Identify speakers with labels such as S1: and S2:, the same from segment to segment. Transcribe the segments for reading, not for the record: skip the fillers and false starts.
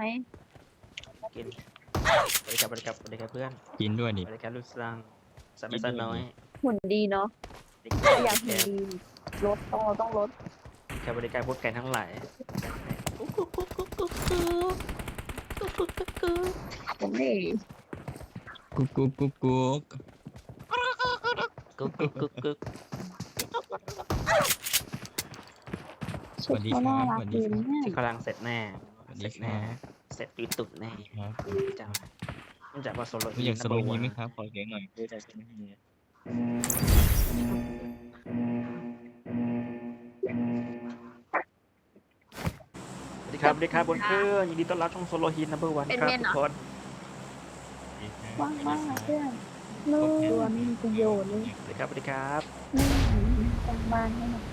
S1: กินบริการเพื่อน
S2: กินด้วยดิ
S1: บริการลูกสร้างสันไม่สันน้อย
S3: หุ่นดีเนาะ
S1: บริการ
S3: อยากหุ่นดีลดต้องลด
S1: บริการพวกแกทั้งหลาย
S3: ผมนี่
S2: กุ๊กกุ๊กกุ๊กกุ๊ก
S1: กึก
S3: ชุดเขาน่ารักดีนะเนี่ย
S1: ที่กำลังเสร็จแน่
S2: สวัสดีครับ
S1: เสร็จตุ่แน่
S2: ครับ
S1: จังมันจากว่าโซโล
S2: ไม่อยากสโลว์นี้ไหมครับขอเสียงหน่อยเพื่อใจจะไม่มี
S1: สวัสดีครับบนเครื่องยินดีต้อนรับช่องโซโลฮินนัมเบอร์วันครับทุกคน
S3: ว่างมากนะเพื่อนนู่นตัวไม่มีประโยชน์เลย
S1: สวัสดีครับ
S3: นี่กลางบ้านนี่นะ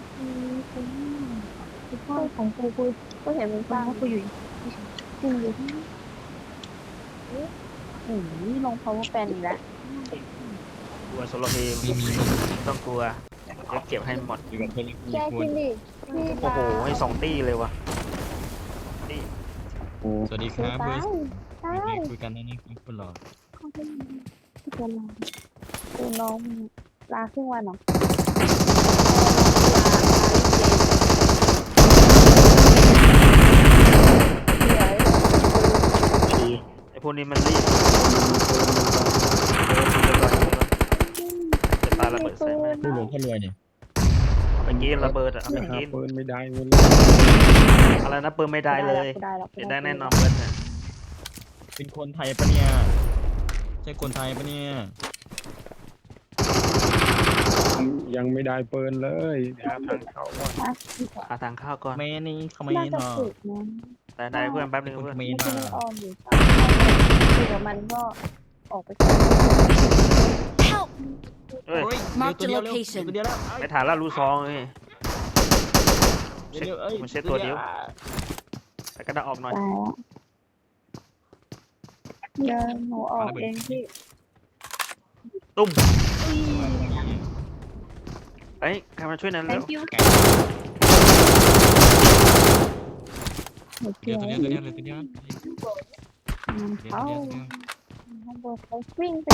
S3: คุณพ่อของกูก็เห็นมันบ้างกูอยู่จริงอยู่ที่นี่ลง power bank อีกแล้ว
S1: กลัวโซโลฮิน
S2: ไม่มี
S1: ต้องกลัวเดี๋ยวเก็บให้หมด
S2: อยู่กับเพื่อน
S3: แก
S2: ค
S3: กิ
S2: น
S3: นดิพี่
S1: โอ้โหให้2 ตี้เลยวะนี่
S2: สวัสดีครับเบอร์
S3: ใช่
S2: คุยกันนะนี่คุณหล่อ
S3: เขาเป็นตัวลาตัวน้องลาครึ่งวันเหรอ
S1: ไอพวกนี้มันรีบจะปาระเบิดใส่แม่
S2: ผู้หลวงพ่อรวยเนี่ย
S1: เอาไปกินระเบิดเอาไปกิน
S4: ปืนไม่ได้เงิน
S1: อะไรนะปืนไม่ได้เลย
S3: ได้แล้ว
S1: เดี๋ยวได้แน่นอนเบิร์ดนะ
S2: เป็นคนไทยปะเนี่ยใช่คนไทยปะเนี่ย
S4: ยังไม่ได้ปืนเลยหาทางเข้าก่อน
S1: หาทางเข้าก่อน
S2: เมนี่เขาไม่
S3: น่าจะ
S2: เนาะ
S3: ฝึกนะ
S1: ได้เพื่อนแป๊บนึง
S2: คน
S1: เพื่อน
S2: เม
S3: ไม่
S2: น
S3: ใช่
S2: มา
S3: ออมอยู่คุยกับมันก็ออกไป
S5: Help!
S1: เฮ้ย
S5: Mark the
S2: เร็ว
S5: location
S2: เดียวแล้ว
S1: ไม่ถ่ายแล้วรู้ซองเลย
S2: เอ้ย
S1: มันเช็ดตัวเดียวแต่ก็ได้ออกหน่อย
S3: ตายแล้วเดินหนูออกเองพี่
S1: ตุ้มเอ้ยใครมาช่วยหนั่นเร็ว
S3: thank you หนู
S2: เดี
S3: เกี่
S2: ย
S3: ยว ว
S2: ตัวเดียวตัวเดียว
S3: มันเข้าข้างบนเขาวิ่งไป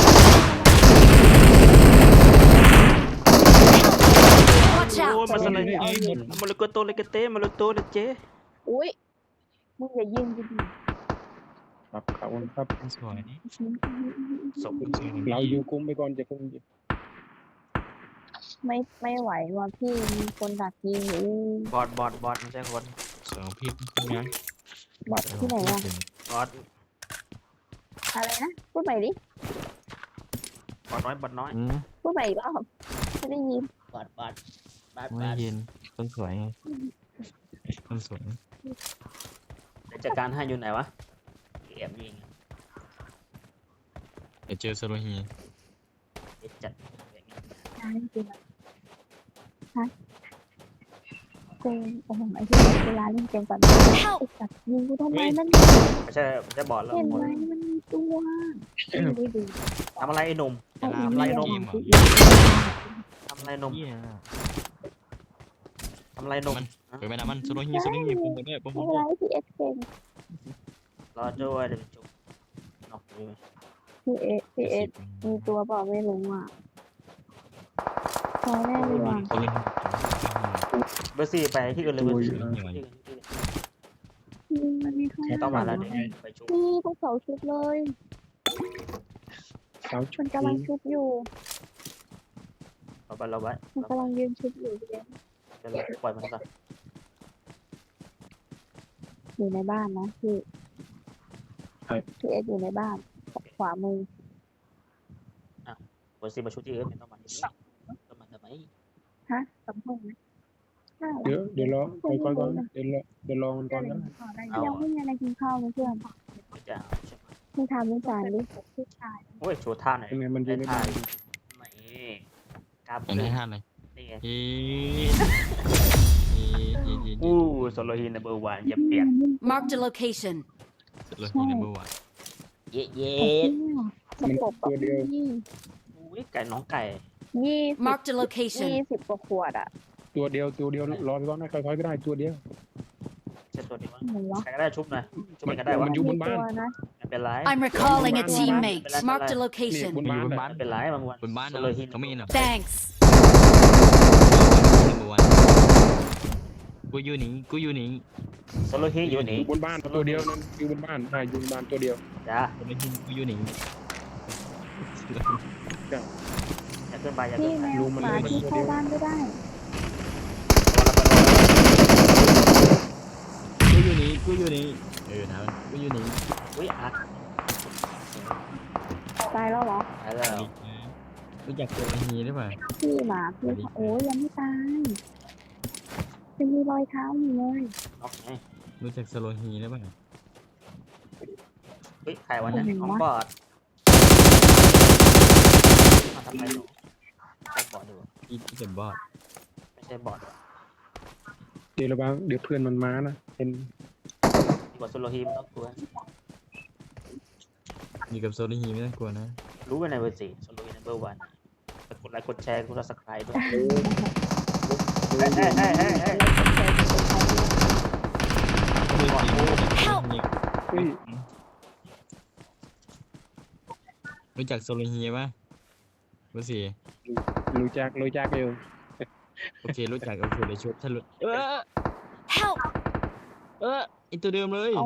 S5: Watch
S1: โอ้ย
S5: out!
S1: มาสไลด์มาลุกโตเลยกเต้มาลุกโตเลยเจ๊
S3: อุ้ยมึงอย่ายิงกูดิ
S4: ครับขอบคุณครับ
S2: สวยนี่
S1: สม
S4: เราอยู่กลุ่มไปก่อนจะคง
S3: ไม่ไหวว่ะพี่มีคนดักยิงอยู่
S1: บอดไม่ใช่คน
S2: สองพี่คุณนะ
S3: บอดที่ไหนอะ
S1: บอด
S3: อะไรนะพูดใหม่ดิ
S1: บอดน้อย
S3: พูดใหม่อีกรอบไม่ได้ยิน
S1: บอด
S2: ไม่เย็นคนสวยไงคนสวย
S1: จัดการให้อยู่ไหนวะแอบยิง
S2: เดี๋ยวเจอสโลฮี
S1: จัด
S3: ใช่จริงฮะเกมโอ้โหไอ้ที่เวลาเล่นเกมก่อนไอ้สัตว์ยิงกูทำไมมัน
S1: ไม่ใช่บอดแล้ว
S3: เห็นไหมมันมีตัวไม่ได้ดู
S1: ทำอะไรไอ้หนุ่ม
S2: จะลา
S1: ทำ
S2: ม
S1: อะไร
S2: เก
S1: นม
S2: มเหรอ
S1: ทำอะไรนม
S2: เฮีย
S1: ทำอะไรนม
S2: เปิดไปนะมันสโลฮีสโลฮีผมด้วยผม
S3: ไม่เป็นไรพี่เอสเก่ง
S1: รอด้วยเดี๋ยวจุ๊บนอกอยู่
S3: พี่เอสมีตัวเปล่าไม่รู้อ่ะพอแน่เลยว่ะ
S2: คนเล่น
S1: เบอร์4ไปที่อื่นเลยเบอร์4
S3: มันมีข้าง
S1: ต้องมาแล้วเดี๋ยวไปชุบ
S3: นี่ต้องเสาชุบเลย
S4: สาวชุ
S3: มั
S4: ด
S3: นกำลังชุบอยู่
S1: เราไว้
S3: มันกำลังยืนชุบอยู่พี่เอส
S1: เดี๋ยวเราปล่อยมันก่อน
S3: อยู่ในบ้านนะพี่พี่เอสอยู่ในบ้านขวามือ
S1: เบอร์4มาชุบที่อื่นไม่ต้องมาที่นี่ต้องมาทำไม
S3: ฮะสองห้องนะใช่
S4: เดี๋ยวรอไปก่อนเดี๋ยวรอมันก่อนนะ
S3: ยังไม่มีอะไรกินข้าวเลยเพื่อน
S1: จะใช่ไหม
S3: มึงทำไม่จานดิ
S1: โอ้ยโชว์ท่าหน่อย
S4: ยังไงมันอยู่ในบ้าน
S1: นี่กราบ
S2: เป็นให้ท่านเลย
S1: นี่ไง
S2: เฮ้ย
S1: อู้โซโลฮีนัมเบอร์1อย่าเปลี่ยน
S5: Mark the location.
S2: สโลฮีนัมเบอร์วัน
S1: เย้เย้
S3: สกบตัวเดียว
S1: อุ้ยไก่น้องไก่
S5: Mark the location.
S3: 20 กว่าขวดอ่ะ
S4: ตัวเดียวรอไปก่อนนะค่อยๆก็ได้ตัวเดียว
S1: ใช่ตัวนี้มั้ง
S3: ไหนวะ
S1: ใครก็ได้ชุบหน่อยชุบมันก็ได้วะ
S4: มันอยู่บนบ้าน
S3: ตัวนะ
S1: ไม่เป็นไร
S5: I'm recalling a
S4: Bye.
S5: teammate.
S1: Bye.
S5: Marked a
S4: นี่
S5: location.
S4: บนบ้าน
S2: อยู่บน
S4: น่ะ
S2: บ้าน
S1: ไม่เป็นไรบางวัน
S2: บนบ้าน
S1: โซ
S2: นะ
S1: โลฮิน
S2: เขาไม่เห็นหรอ
S5: Thanks.
S2: กูอยู่นี่กูอยู่นี่
S1: โซโลฮินอยู่นี่
S4: อยู่บนบ้านตัวเดียวนั่นอยู่บนบ้านใช่อยู่บนบ้านตัวเดียว
S1: จ้า
S2: กูไม่ยินกูอยู่นี่
S1: อย่าขึ้นไปอย่า
S3: พี่
S1: ขึ้นไป
S3: แมวหมาที่เข้าบ้านไม่ได้
S2: กูอยู่นี่กูอยู่นี่นะกูอยู่นี่
S1: อุ้ยอัด
S3: ตายแล้วเหรอ
S1: ตายแล้ว
S2: รู้จักตัวฮีหรือเปล่า
S3: พี่หมาพี่โอ้ยยังไม่ตายยังมีรอยเท้าอยู่เลย
S1: โอเค
S2: รู้จักสโลฮีหรือเปล่า
S1: เฮ้ยใครวะเนี่ยของบอดมาทำไมหนูใช่บอดดู
S2: ที่เป็นบอส
S1: ไม่ใช่บอด
S4: เดี๋ยวระวังเดี๋ยวเพื่อนมันมานะเป็น
S1: ดีกว่าโซโลฮินต้องกลัว
S2: อยู่กับโซโลฮีไม่ต้องกลัวนะ
S1: รู้ไปในเวอร์ซีโซโลฮินเบอร์วันกดไลค์กดแชร์กดซับสไครต์ด้วย
S4: โอ้
S1: เฮ้ยเฮ้ยเฮ้ยเฮ้ยเฮ้ย
S4: เฮ้ย
S2: รู้จักโซโลฮีป่ะรู้สิ
S4: รู้จักอยู่
S2: โอเครู้จักโอเคเลยชุบถ้ารู้
S5: Help.
S2: ไอตัวเดิมเลย
S3: เอา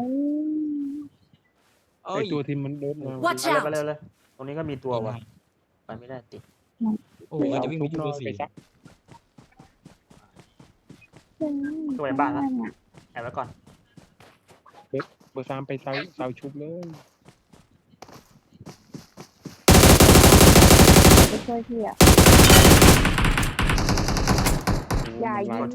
S2: เอ้
S4: ไอย ตัวที่มันโดนมา
S5: Watch
S1: ไปเลย
S5: out.
S1: เลยตรงนี้ก็มีตัวว่ะไปไม่ได้ติด
S2: โอ้ยจะวิ่งไปที่เบอร์สี่
S4: ไปซัก
S3: เพื่อน
S1: ตัวในบ้านละ
S3: เนี่ย
S1: แอบไว้ก่อน
S4: เบอร์ 3ไปเสาชุบเลย
S3: ไปช่วยพี่อ่ะอย่ายิง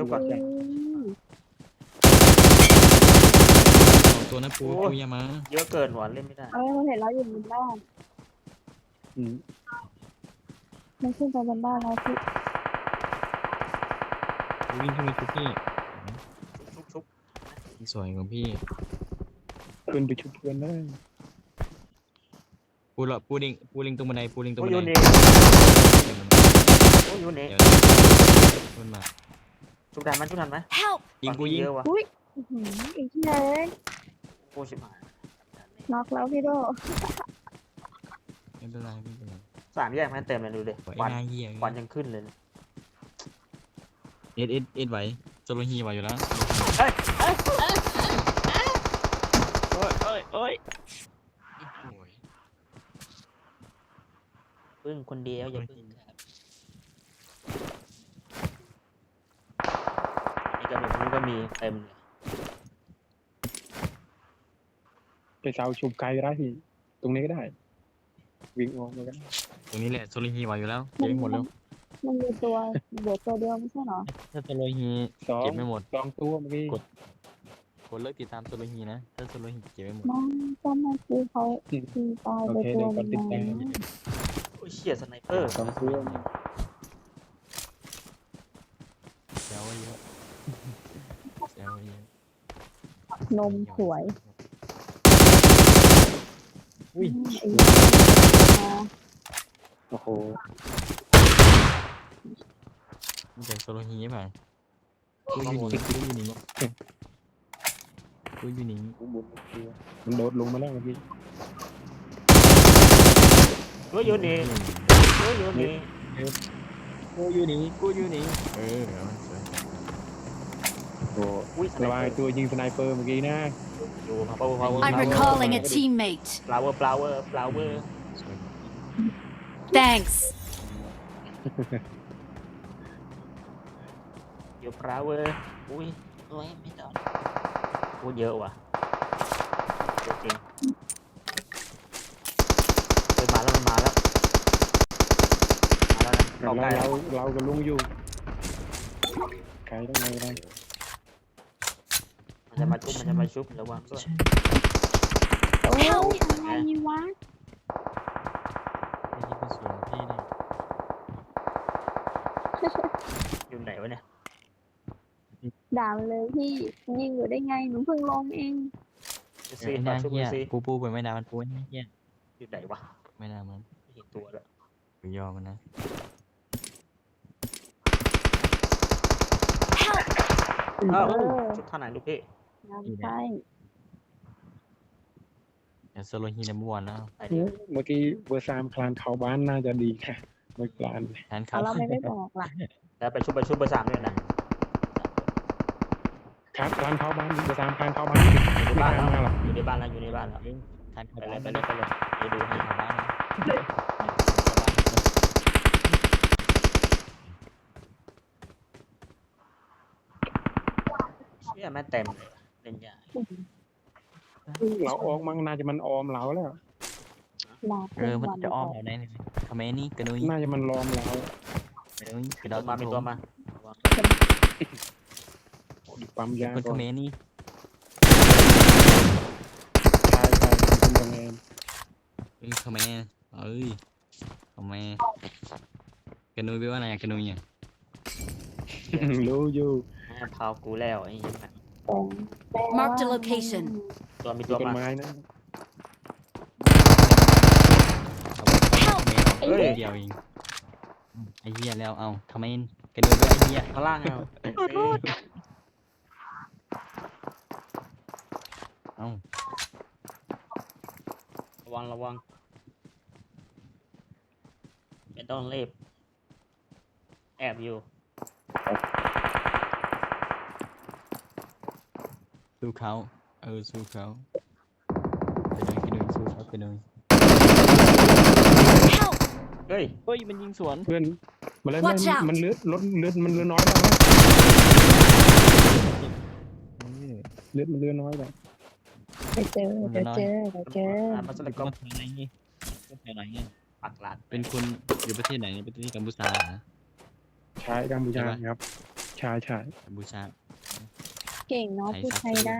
S2: ตัวนั้นปูอย่ามา
S1: เยอะเกินหวานเล่นไม่ได้
S3: เราเห็นเราอยู่บนบ้าน
S4: อืม
S3: มันขึ้นไปบนบ้านเราพี่
S2: วิ่งขึ้นไปชุบพี่
S1: ชุบ
S2: สวยของพี่
S4: ขึ้นไปชุบเพื่อนได้
S2: ปูลิงตรงบันไดปูลิงตรง
S1: โอ้
S2: บั
S1: ย
S2: นได
S1: นี่โอ้ยนี่
S2: ขึ้นมา
S1: ชุบทันไหม
S5: Help.
S2: ยิงกูยิง
S1: เยอะวะ
S3: อุ้ยอีกที่เลย
S1: โอ้ชิบหาย
S3: น็อกแล้วพี่โด
S2: ไม่เป็นไรไม่เป็นไร
S1: สามแยกแม่เต็มเลยดูดิ
S2: ไอ้
S1: ควัน
S2: นายเหี้ย
S1: ควันยังขึ้นเลย
S2: เอ็ดไหวโซโลฮีไหวอยู่แล้ว โอ้ย
S1: พึ่งคนเดียวอย่าพึ่งครับนี่ก็มีเต็มเลย
S4: ไปเสาชุบไกลก็ได้พี่ตรงนี้ก็ได้ วิ่งออกมาก็ได้
S2: ตรงนี้แหละโซโลฮีไหวอยู่แล้วเก็บหมดแล้ว
S3: มันมีตัวเดี๋ยวตัวเดียวไม่ใช่เหรอ
S2: ถ้าโซโลฮี
S4: สอง
S2: เก็บไม่หมด
S4: 2ตัวเมื่อกี้
S2: กดเลิกติดตามโซโลฮีนะถ้าโซโลฮีเก็บไม่หมด
S3: น้องก็มาซื้อเขาตีตาย
S4: โอ
S3: ไป
S4: เค
S3: ตัว
S4: เดี๋ยว
S3: ห
S4: ก่
S3: นึ
S4: อน
S3: ง
S4: ติดตาม
S1: โอ้ยเชี่ยสไนเปอร์
S4: 2ตัว
S2: แซวเยอะแซวเยอะ
S3: นมสวย
S2: อุ้ย
S4: โอ้โห
S2: มันจากโซโลฮีป่ะกูอยู่นี่
S4: มันโดดลงมาแล้วเมื่อกี้
S1: โอ้ยอยู่นี่โอ้ยอยู่นี่
S2: กูอยู่นี่
S4: โอ้
S1: อุ้ยสไน
S4: ระ
S1: เป
S4: วั
S1: อง ร์
S4: ตัวยิงสไนเปอร์เมื่อกี้นะ
S1: อยู่power
S5: I'm recalling a teammate.
S1: flower
S5: Thanks.
S1: อยู่ flower อุ้ยโอ้ยไม่โดนพูดเยอะว่ะเยอะจริงเฮ้ยมาแล้วนะเข้าใกล้แล้ว
S4: เราก็ลุงอยู่ไกลได้ไงได้
S1: มันจะมาชุบระวังด้วย
S3: โอ้ยอะไรวะ
S2: ไอ้ที่เป็นส่วนพี่นี่
S1: อยู่ไหนวะเนี่ย
S3: ด่ามันเลยพี่ยิงอยู่ได้ไงหนูเพิ่งลงเอง
S1: ซี
S2: ไอ้
S1: มา
S2: นา
S1: ชุบ
S2: เหี้ย
S1: ซี
S2: ปูไปไม่นามันปูไอ้เหี้ย
S1: อยู่ไหนวะ
S2: ไม่นามัน
S1: ไม่เห็นตัวแล้ว
S2: กูยอมมันนะ
S5: Help.
S1: อ้าวชุบท่าไหนลูกพี่
S3: งานใช่
S2: อย่าโซโลฮีนัมเบอร์วันแล้ว
S1: ไปเดียว
S4: เมื่อกี้เบอร์3คลานเข้าบ้านน่าจะดีค่ะไม่คลาน
S2: แทน
S3: เอา
S2: เขา
S3: เราไม่ได้บอกล่ะ
S1: แล้วไปชุบเบอร์สามด้วยนะ
S4: ครับคลานเข้าบ้านเบอร์3คลานเข้าบ้าน
S1: อยู่ใน
S4: ไม่
S1: บ้าน
S4: คลาน
S1: แล้ว
S4: มาหรอก
S1: อยู่ในบ้านแล้วอยู่ในบ้านแล้ว
S2: แทน
S1: ไป
S2: เขา
S1: เลยไป
S2: ไป
S1: เลยไปเลยเดี๋ยวดูให้
S2: เขาบ้านนะ
S1: เนี่ยแม่เต็มเลยเล่นใหญ่
S4: เราออกมั้งน่าจะมันออมเราแล้ว
S3: ลา
S2: มันจะอ้อมเราได้เลยคอมเมนี่กระนุย
S4: น่าจะมันล้อมเรา
S2: กระนุยกระ
S1: ตั
S2: ดาว
S1: มามีตัวมา
S4: ปั๊มยา
S2: คน
S4: ก่
S2: ค
S4: อ
S2: อน มเมนี่
S4: ใช่เป็นยังไง
S2: คอมเมคอมเมกระนุยแปลว่าอะไรกระนุยอ่ะ
S4: รู้อยู่
S1: พาวกูแล้วไอ้ยังไง
S5: Marked a location.
S1: ตัวมี
S4: ตั
S1: ตัว ว
S4: ต้น
S1: มา
S4: ไม้นะ
S2: เฮ้ยเดียวเองไอ้เหี้ยแล้วเอาคอมเมนกระนุยด้วยไอ้เหี้ย
S1: ข้างล่างเอา
S2: เอา
S1: ระวังไม่ต้องรีบแอบอยู่
S2: สู้เขาสู้เขากระนุยสู้เขากระนุย
S5: Help!
S1: เฮ้ย
S2: เฮ้ยมันยิงสวน
S4: เพื่อนมาแล้ว
S5: Watch out
S4: มันเลือดลดเลือดมันเลือดน้อยแล้วนะเลือดมันเลือดน้อยแล้ว
S3: เดี๋ยวเจอ
S1: มาสลัก
S2: ก็
S1: ก็
S2: แถวไหนนี่ก็แถวไหนเนี่ย
S1: ปักหลัด
S2: เป็นคนอยู่ประเทศไหนประเทศกัมพูชาเหรอ
S4: ใช้กัมพูชาครับใช่
S2: กัมพูชา
S3: เก่งเนาะพูดไทยได้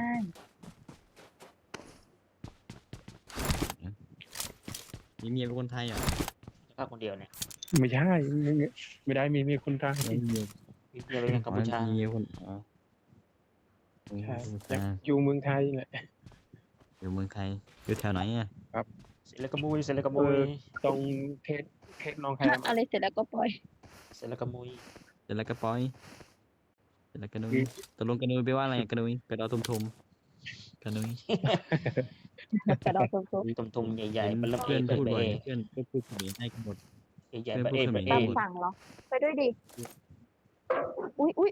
S2: มีเมียเป็นคนไทยเหรอ
S1: ภาคคนเดียวเนี่ย
S4: ไม่ใช่ไม่ได้มีคนไทย
S2: ไม่มี
S1: มีเดียวเป็นกัมพูชา
S2: มีเมียคน
S4: ใช่
S2: กัมพูชา
S4: อยู่เมืองไทยแหละ
S2: อยู่เมืองไทยอยู่แถวไหนอ่ะ
S1: เสร็จแล้วก็มุยเสร็จแล้วก็มุย
S4: ตรงเทศน้องแคม
S3: อะไรเสร็จแล้วก็ปล่อย
S1: เสร็จแล้วก็มุย
S2: เสร็จแล้วก็ปล่อยเสร็จแล้วกระนุยตกลงกระนุยแปลว่าอะไรกระนุยกระดอทุมกระนุย
S3: กระดองตรง
S1: ตุ่มๆใหญ่ๆมันเริ่ม
S2: เพื่อน
S1: เปิด
S2: พูด
S1: ไป
S2: บ่อย
S1: เอ
S2: เพื่อนก็พูดเขมรให้กันหมด
S1: ใหญ่ๆไปเอไป
S3: ๆ
S1: เอ
S3: ตามสั่งเหรอ ไปด้วยดิ อุ้ย
S2: อุ้ย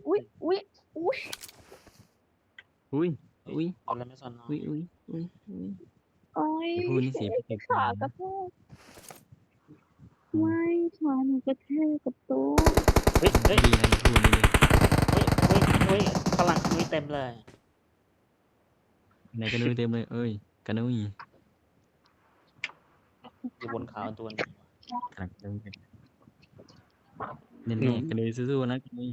S1: เอาแล้วไม่สน
S2: อุ้ย
S3: โอ้ย
S2: พูดนี่เสียไป
S3: ขากระแทกไม่ขาหนูกระแทกกับตู้
S1: เฮ้ย
S2: ดีนะพูดนี่
S1: เฮ้ยพลังมุยเต็มเลย
S2: ไหนกระนุยเต็มเลยเอ้ยกระนุย
S1: อยู่บนเขาตัวนึง
S2: กระนุยเนี่ยกระนุยสู้ๆนะกระนุย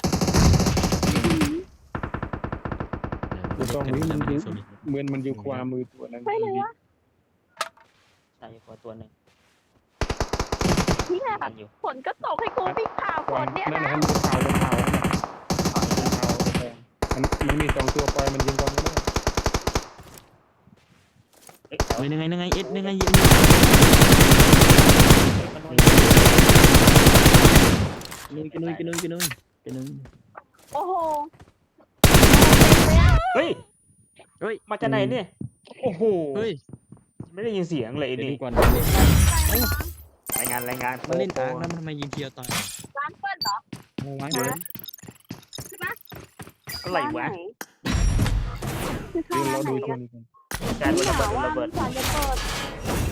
S4: ตรงนี้มันเหมือนมันอยู่ขวามือตัวนั้น
S3: ไปเลยวะ
S1: ใช่อยู่ตัวหนึ่ง
S3: ที่แหละ
S1: กันอยู่
S3: ฝนก็ตกให้กูวิ่งผ่าฝ
S4: ก่อน
S3: นเนี่ย
S4: นั่น
S3: นะ
S4: นะมันมี2ตัวปล่อยมันยิงก่อนก็ได้
S1: เฮ้ย
S2: เฮ้ยยังไงเอ็ดยังไงเยี่ยมกระนุย
S3: โอ้โห
S1: เฮ้ย
S2: เฮ้ย
S1: มาจากไหนเนี่ยโอ้โห
S2: เฮ้ย
S1: ไม่ได้ยินเสียงเลย
S2: เดี๋ยว
S1: นี่
S2: ดูก่อน
S1: รายงาน
S2: มันเล่นอาร์คแล้วมันทำไมยิงเทียวตาย
S3: ร้านเปิ้ลเหรอ
S2: วาง
S3: ร้าน
S1: อะไรวะ
S3: คือเข้า
S4: เดี๋ยว
S3: ร้าน
S4: เรา
S3: ไหน
S4: ดูตัว
S3: กัน
S4: นี้กัน
S1: การ
S3: นี่
S1: ระ
S3: หา
S1: เบิด
S3: ว่า
S1: ระเบิด
S3: สารจะเปิด